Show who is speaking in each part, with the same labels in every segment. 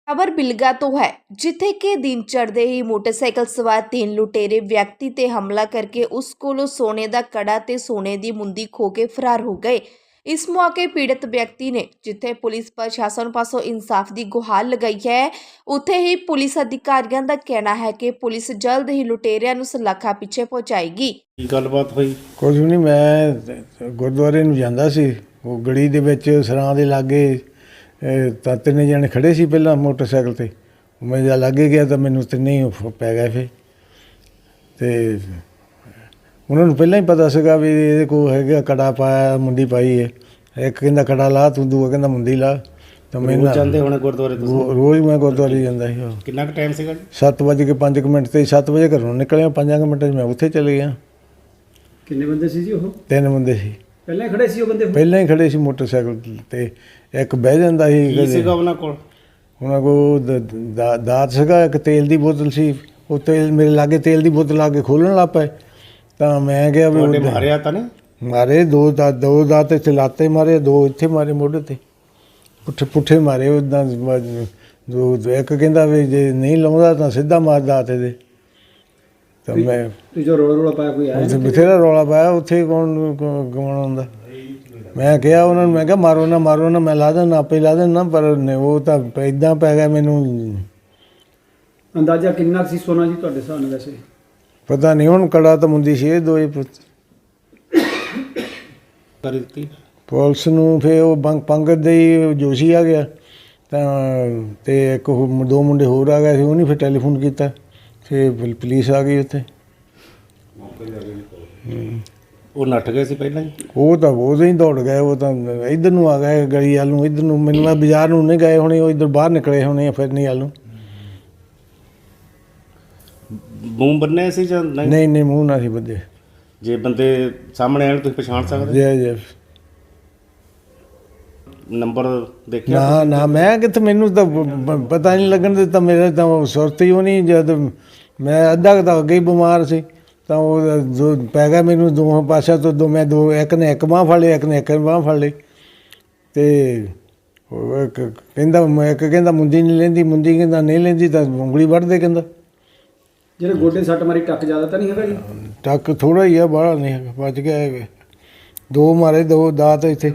Speaker 1: ਖਬਰ ਬਿਲਗਾ ਤੋਂ ਹੈ, ਜਿੱਥੇ ਕਿ ਦਿਨ ਚੜ੍ਹਦੇ ਹੀ ਮੋਟਰਸਾਈਕਲ ਸਵਾਰ 3 ਲੁਟੇਰੇ ਵਿਅਕਤੀ ਤੇ ਹਮਲਾ ਕਰਕੇ ਉਸ ਕੋਲੋਂ ਸੋਨੇ ਦਾ ਕੜਾ ਤੇ ਸੋਨੇ ਦੀ ਮੁੰਦੀ ਖੋਹ ਕੇ ਫਰਾਰ ਹੋ ਗਏ। ਇਸ ਮੌਕੇ ਪੀੜਤ ਵਿਅਕਤੀ ਨੇ ਜਿੱਥੇ ਪੁਲਿਸ ਪ੍ਰਸ਼ਾਸਨ ਪਾਸੋਂ ਇਨਸਾਫ ਦੀ ਗੁਹਾਰ ਲਗਾਈ ਹੈ, ਉੱਥੇ ਹੀ ਪੁਲਿਸ ਅਧਿਕਾਰੀਆਂ ਦਾ ਕਹਿਣਾ ਹੈ ਕਿ ਪੁਲਿਸ ਜਲਦ ਹੀ ਲੁਟੇਰਿਆਂ ਨੂੰ ਸਲਾਖਾ ਪਿੱਛੇ ਪਹੁੰਚਾਏਗੀ।
Speaker 2: ਕੀ ਗੱਲਬਾਤ ਹੋਈ?
Speaker 3: ਕੁਝ ਵੀ ਨਹੀਂ, ਮੈਂ ਗੁਰਦੁਆਰੇ ਨੂੰ ਜਾਂਦਾ ਸੀ। ਉਹ ਗਲੀ ਦੇ ਵਿੱਚ ਸਰਾਂ ਦੇ ਲਾਗੇ ਤਾਂ ਤਿੰਨੇ ਜਣੇ ਖੜੇ ਸੀ ਪਹਿਲਾਂ ਮੋਟਰਸਾਈਕਲ 'ਤੇ। ਮੈਂ ਜਦ ਲਾਗੇ ਗਿਆ ਤਾਂ ਮੈਨੂੰ ਤਿੰਨੇ ਹੀ ਪੈ ਗਏ ਫਿਰ। ਅਤੇ ਉਹਨਾਂ ਨੂੰ ਪਹਿਲਾਂ ਹੀ ਪਤਾ ਸੀਗਾ ਵੀ ਇਹਦੇ ਕੋਲ ਹੈਗਾ ਕੜਾ ਪਾਇਆ, ਮੁੰਦੀ ਪਾਈ ਹੈ। ਇੱਕ ਕਹਿੰਦਾ ਕੜਾ ਲਾ ਤੂੰ, ਦੂਆ ਕਹਿੰਦਾ ਮੁੰਦੀ ਲਾ। ਤਾਂ ਮੈਨੂੰ
Speaker 2: ਜਾਂਦੇ ਹੋਣੇ ਗੁਰਦੁਆਰੇ ਤੁਸੀਂ?
Speaker 3: ਰੋਜ਼ ਮੈਂ ਗੁਰਦੁਆਰੇ ਜਾਂਦਾ ਸੀ।
Speaker 2: ਕਿੰਨਾ ਕੁ ਟਾਈਮ ਸੀਗਾ?
Speaker 3: 7:05 ਤੇ 7 ਵਜੇ ਘਰੋਂ ਨਿਕਲਿਆ, 5 ਮਿੰਟਾਂ 'ਚ ਮੈਂ ਉੱਥੇ ਚਲੇ ਗਿਆ।
Speaker 4: ਕਿੰਨੇ ਬੰਦੇ ਸੀ ਜੀ ਉਹ?
Speaker 3: 3 ਬੰਦੇ ਸੀ।
Speaker 4: ਪਹਿਲਾਂ ਹੀ ਖੜੇ ਸੀ ਉਹ ਬੰਦੇ?
Speaker 3: ਪਹਿਲਾਂ ਹੀ ਖੜੇ ਸੀ ਮੋਟਰਸਾਈਕਲ 'ਤੇ। ਇੱਕ ਬਹਿ ਜਾਂਦਾ ਸੀ।
Speaker 2: ਕੀ ਸੀਗਾ ਉਹਨਾਂ ਕੋਲ?
Speaker 3: ਉਹਨਾਂ ਕੋਲ ਦਾਤ ਸੀਗਾ, ਇੱਕ ਤੇਲ ਦੀ ਬੋਤਲ ਸੀ। ਉਹ ਤੇਲ ਮੇਰੇ ਲਾਗੇ ਤੇਲ ਦੀ ਬੋਤਲ ਆ ਕੇ ਖੋਲ੍ਹਣ ਲੱਗ ਪਏ। ਤਾਂ ਮੈਂ ਕਿਹਾ ਵੀ
Speaker 2: ਮਾਰਿਆ ਤਾਂ ਨਹੀਂ?
Speaker 3: ਮਾਰੇ ਦੋ ਦਾਤ ਇੱਥੇ ਲਾਤੇ ਮਾਰੇ, 2 ਇੱਥੇ ਮਾਰੇ ਮੋਢੇ 'ਤੇ, ਪੁੱਠੇ ਮਾਰੇ ਉੱਦਾਂ। ਇੱਕ ਕਹਿੰਦਾ ਵੀ ਜੇ ਨਹੀਂ ਲਾਉਂਦਾ ਤਾਂ ਸਿੱਧਾ ਮਾਰ ਦਾਤ ਇਹਦੇ। ਤਾਂ ਮੈਂ
Speaker 4: ਜੋ ਰੌਲਾ ਪਾਇਆ ਕੋਈ ਆਇਆ?
Speaker 3: ਉੱਥੇ ਬਥੇਰਾ ਰੌਲਾ ਪਾਇਆ। ਉੱਥੇ ਕੌਣ ਗਵਾਉਣਾ ਹੁੰਦਾ। ਮੈਂ ਕਿਹਾ ਉਹਨਾਂ ਨੂੰ, ਮੈਂ ਕਿਹਾ ਮਾਰੋ ਨਾ, ਮੈਂ ਲਾ ਦੇਣਾ, ਆਪੇ ਲਾ ਦੇਣਾ। ਪਰ ਉਹ ਤਾਂ ਇੱਦਾਂ ਪੈ ਗਿਆ ਮੈਨੂੰ।
Speaker 4: ਅੰਦਾਜ਼ਾ ਕਿੰਨਾ ਸੀ ਸੋਨਾ ਜੀ ਤੁਹਾਡੇ ਹਿਸਾਬ ਨਾਲ? ਵੈਸੇ
Speaker 3: ਪਤਾ ਨਹੀਂ ਹੁਣ, ਕੜਾ ਤਾਂ ਮੁੰਦੀ ਸੀ ਇਹ ਦੋਏ
Speaker 2: ਕਰ ਦਿੱਤੀ
Speaker 3: ਪੁਲਿਸ ਨੂੰ। ਫਿਰ ਉਹ ਪੰਗਤ ਦੇ ਹੀ ਜੋਸ਼ੀ ਆ ਗਿਆ ਤਾਂ, ਤੇ ਇੱਕ 2 ਮੁੰਡੇ ਹੋਰ ਆ ਗਏ ਸੀ। ਉਹਨੇ ਫਿਰ ਟੈਲੀਫੋਨ ਕੀਤਾ, ਫਿਰ ਪੁਲਿਸ ਆ ਗਈ ਉੱਥੇ।
Speaker 2: ਉਹ ਨੱਠ ਗਏ ਸੀ ਪਹਿਲਾਂ ਹੀ?
Speaker 3: ਉਹ ਤਾਂ ਉਦੋਂ ਹੀ ਦੌੜ ਗਏ। ਉਹ ਤਾਂ ਇੱਧਰ ਨੂੰ ਆ ਗਏ, ਗਲੀ ਵੱਲ ਨੂੰ, ਇੱਧਰ ਨੂੰ। ਮੈਨੂੰ ਮੈਂ ਬਾਜ਼ਾਰ ਨੂੰ ਨਹੀਂ ਗਏ ਹੋਣੇ, ਉਹ ਇੱਧਰ ਬਾਹਰ ਨਿਕਲੇ ਹੋਣੇ ਫਿਰ ਨਹੀਂ ਵੱਲ ਨੂੰ।
Speaker 2: ਮੂੰਹ ਬੰਨੇ ਸੀ ਜਾਂ ਨਹੀਂ?
Speaker 3: ਨਹੀਂ, ਮੂੰਹ ਨਾ ਸੀ ਬੱਦੇ।
Speaker 2: ਜੇ ਬੰਦੇ ਸਾਹਮਣੇ ਆਣ ਤੁਸੀਂ ਪਛਾਣ ਸਕਦੇ?
Speaker 3: ਜੇ
Speaker 2: ਨੰਬਰ ਦੇਖਿਆ?
Speaker 3: ਨਾ ਮੈਂ ਕਿੱਥੇ, ਮੈਨੂੰ ਤਾਂ ਪਤਾ ਨਹੀਂ ਲੱਗਣ ਦਿੱਤਾ। ਮੇਰੇ ਤਾਂ ਸੁਰਤ ਹੀ ਉਹ ਨਹੀਂ। ਜਦ ਮੈਂ ਅੱਧਾ ਕੁ ਤਾਂ ਅੱਗੇ ਹੀ ਬਿਮਾਰ ਸੀ ਤਾਂ ਉਹ ਜੋ ਪੈ ਗਿਆ ਮੈਨੂੰ ਦੋਹਾਂ ਪਾਸਿਆਂ ਤੋਂ। ਮੈਂ ਇੱਕ ਨੇ ਇੱਕ ਬਾਂਹ ਫੜ ਲਈ, ਇੱਕ ਨੇ ਇੱਕ ਬਾਂਹ ਫੜ ਲਈ। ਅਤੇ ਇੱਕ ਕਹਿੰਦਾ ਮੁੰਦੀ ਨਹੀਂ ਲੈਂਦੀ, ਮੁੰਦੀ ਕਹਿੰਦਾ ਨਹੀਂ ਲੈਂਦੀ ਤਾਂ ਉਂਗਲੀ ਵੱਢਦੇ ਕਹਿੰਦਾ।
Speaker 4: ਜਿਹੜੇ ਗੋਡੇ ਸੱਟ ਮਾਰੀ ਟੱਕ ਜ਼ਿਆਦਾ ਤਾਂ ਨਹੀਂ ਹੈਗਾ ਜੀ?
Speaker 3: ਟੱਕ ਥੋੜ੍ਹਾ ਹੀ ਆ, ਬਾਹਲਾ ਨਹੀਂ ਹੈਗਾ। ਬਚ ਗਿਆ ਹੈਗਾ। 2 ਮਾਰੇ, 2 ਦਾਤ ਇੱਥੇ।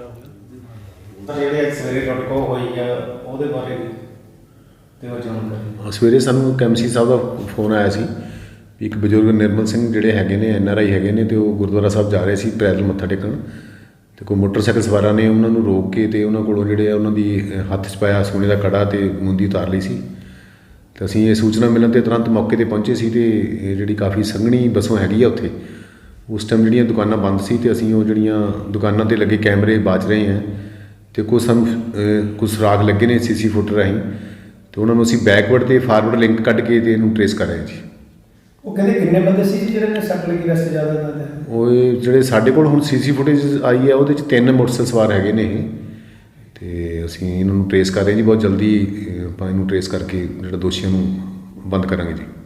Speaker 2: ਜਿਹੜੇ ਸਵੇਰੇ ਤੁਹਾਡੇ ਕੋਲ ਹੋਈ ਆ ਉਹਦੇ ਬਾਰੇ ਦਿਓ ਜਾਣਕਾਰੀ।
Speaker 5: ਸਵੇਰੇ ਸਾਨੂੰ ਕੈਮਸੀ ਸਾਹਿਬ ਦਾ ਫੋਨ ਆਇਆ ਸੀ ਵੀ ਇੱਕ ਬਜ਼ੁਰਗ ਨਿਰਮਲ ਸਿੰਘ ਜਿਹੜੇ ਹੈਗੇ ਨੇ, NRI ਹੈਗੇ ਨੇ, ਅਤੇ ਉਹ ਗੁਰਦੁਆਰਾ ਸਾਹਿਬ ਜਾ ਰਹੇ ਸੀ ਪੈਦਲ ਮੱਥਾ ਟੇਕਣ। ਅਤੇ ਕੋਈ ਮੋਟਰਸਾਈਕਲ ਸਵਾਰਾਂ ਨੇ ਉਹਨਾਂ ਨੂੰ ਰੋਕ ਕੇ ਅਤੇ ਉਹਨਾਂ ਕੋਲੋਂ ਜਿਹੜੇ ਆ ਉਹਨਾਂ ਦੀ ਹੱਥ 'ਚ ਪਾਇਆ ਸੋਨੇ ਦਾ ਕੜਾ ਅਤੇ ਮੁੰਦੀ ਉਤਾਰ ਲਈ ਸੀ। ਅਤੇ ਅਸੀਂ ਇਹ ਸੂਚਨਾ ਮਿਲਣ 'ਤੇ ਤੁਰੰਤ ਮੌਕੇ 'ਤੇ ਪਹੁੰਚੇ ਸੀ। ਅਤੇ ਇਹ ਜਿਹੜੀ ਕਾਫੀ ਸੰਘਣੀ ਵਸੋਂ ਹੈਗੀ ਆ ਉੱਥੇ, ਉਸ ਟਾਈਮ ਜਿਹੜੀਆਂ ਦੁਕਾਨਾਂ ਬੰਦ ਸੀ ਅਤੇ ਅਸੀਂ ਉਹ ਜਿਹੜੀਆਂ ਦੁਕਾਨਾਂ 'ਤੇ ਲੱਗੇ ਕੈਮਰੇ ਬਾਜ ਰਹੇ ਹਾਂ। ਅਤੇ ਕੁਝ ਸੁਰਾਗ ਲੱਗੇ ਨੇ CC ਫੁਟੇਜ ਰਾਹੀਂ, ਅਤੇ ਉਹਨਾਂ ਨੂੰ ਅਸੀਂ ਬੈਕਵਰਡ ਅਤੇ ਫਾਰਵਰਡ ਲਿੰਕ ਕੱਢ ਕੇ ਅਤੇ ਇਹਨੂੰ ਟਰੇਸ ਕਰ ਰਹੇ ਹਾਂ ਜੀ।
Speaker 4: ਉਹ ਕਹਿੰਦੇ ਕਿੰਨੇ ਬੰਦੇ ਸੀ ਜਿਹੜੇ ਨੇ ਸੱਟ ਲੱਗੀ? ਵੈਸੇ ਜ਼ਿਆਦਾ ਨਾ
Speaker 5: ਉਹ ਜਿਹੜੇ ਸਾਡੇ ਕੋਲ ਹੁਣ CC ਫੁਟੇਜ ਆਈ ਹੈ ਉਹਦੇ 'ਚ 3 ਮੋਟਰਸਾਈਕਲ ਸਵਾਰ ਹੈਗੇ ਨੇ ਇਹ। ਅਤੇ ਅਸੀਂ ਇਹਨਾਂ ਨੂੰ ਟਰੇਸ ਕਰ ਰਹੇ ਜੀ। ਬਹੁਤ ਜਲਦੀ ਆਪਾਂ ਇਹਨੂੰ ਟਰੇਸ ਕਰਕੇ ਜਿਹੜਾ ਦੋਸ਼ੀਆਂ ਨੂੰ ਬੰਦ ਕਰਾਂਗੇ ਜੀ।